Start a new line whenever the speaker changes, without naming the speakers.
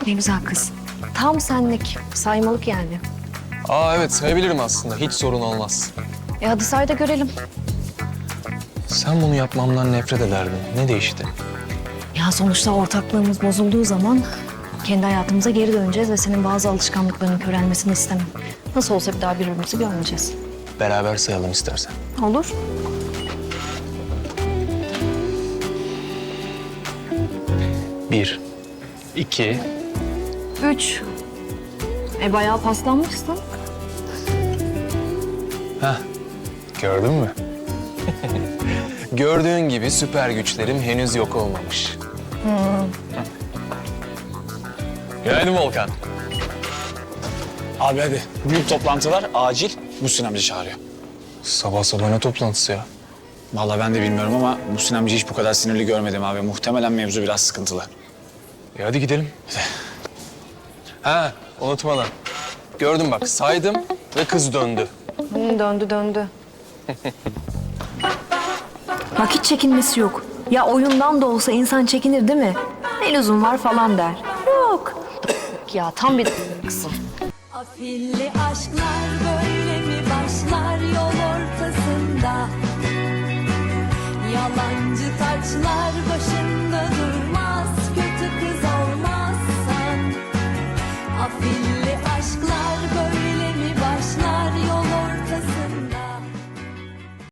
Ne güzel kız. Tam senlik, saymalık yani.
Aa evet, sayabilirim aslında. Hiç sorun olmaz.
Hadi say da görelim.
Sen bunu yapmamdan nefret ederdin. Ne değişti?
Ya sonuçta ortaklığımız bozulduğu zaman kendi hayatımıza geri döneceğiz ve senin bazı alışkanlıklarının körelmesini istemem. Nasıl olsa bir daha birbirimizi görmeyeceğiz.
Beraber sayalım istersen.
Olur.
Bir, iki,
3. Bayağı paslanmışsın.
gördün mü? Gördüğün gibi süper güçlerim henüz yok olmamış. Günaydın Volkan.
Abi hadi. Büyük toplantı var. Acil. Muhsin amca çağırıyor.
Sabah sabah ne toplantısı ya?
Vallahi ben de bilmiyorum ama Muhsin amca hiç bu kadar sinirli görmedim abi. Muhtemelen mevzu biraz sıkıntılı.
Hadi gidelim. Ha, unutmadan. Gördüm bak, saydım ve kız döndü.
Döndü. Bak hiç çekinmesi yok. Ya oyundan da olsa insan çekinir değil mi? Ne lüzum var falan der. Yok. Ya tam bir kızım.
Afilli aşklar böyle mi başlar yol ortasında? Yalancı taçlar başında durmaz, kötü kız